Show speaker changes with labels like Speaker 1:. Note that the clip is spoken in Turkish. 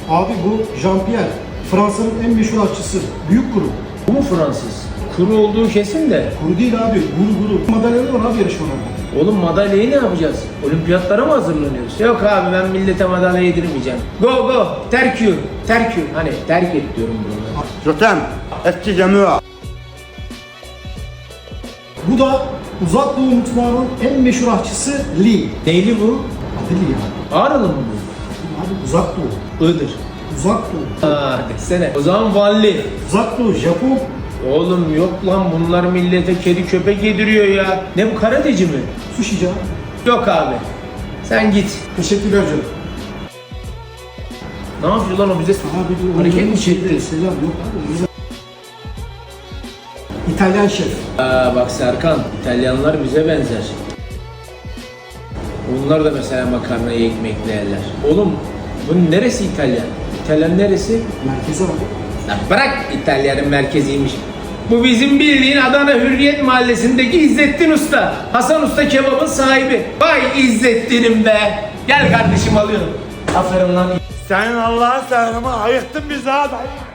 Speaker 1: Abi bu Jean-Pierre. Fransa'nın en meşhur aşçısı. Büyük kuru.
Speaker 2: Bu mu Fransız? Kuru olduğu kesin de.
Speaker 1: Kuru değil abi. Guru. Madalyaları var abi yarışmalarda.
Speaker 2: Oğlum madalyayı ne yapacağız? Olimpiyatlara mı hazırlanıyoruz? Yok abi ben millete madalya yedirmeyeceğim. Go. Terk you. Hani terk et diyorum bunu.
Speaker 3: Jotem, eski camiye.
Speaker 1: Bu da Uzak Doğu mutfağının en meşhur aşçısı Lee.
Speaker 2: Neyli bu?
Speaker 1: Adı Lee ya.
Speaker 2: Ağrılı mı bu?
Speaker 1: Abi Uzak Doğu.
Speaker 2: Iğdır.
Speaker 1: Uzak Doğu.
Speaker 2: Desene. O zaman Vanli.
Speaker 1: Uzak Doğu, Japon.
Speaker 2: Oğlum yok lan bunlar millete kedi köpek yediriyor ya. Ne bu karateci mi?
Speaker 1: Sushi canım.
Speaker 2: Yok abi. Sen git.
Speaker 1: Teşekkürler canım.
Speaker 2: Ne yapıyor lan o bize?
Speaker 1: Abi dur.
Speaker 2: Hareket mi çekti?
Speaker 1: Selam yok abi. Güzel. İtalyan şef.
Speaker 2: Bak Serkan, İtalyanlar bize benzer. Onlar da mesela makarnayı ekmekle yerler. Oğlum bunun neresi İtalyan? İtalyan neresi?
Speaker 1: Merkeze bak.
Speaker 2: Lan bırak İtalyanın merkeziymiş. Bu bizim bildiğin Adana Hürriyet Mahallesi'ndeki İzzettin Usta. Hasan Usta kebabın sahibi. Vay İzzettin'im be. Gel kardeşim alıyorum. Aferin lan.
Speaker 3: Senin Allah'ın selamı ayıktın bizi ha dayı.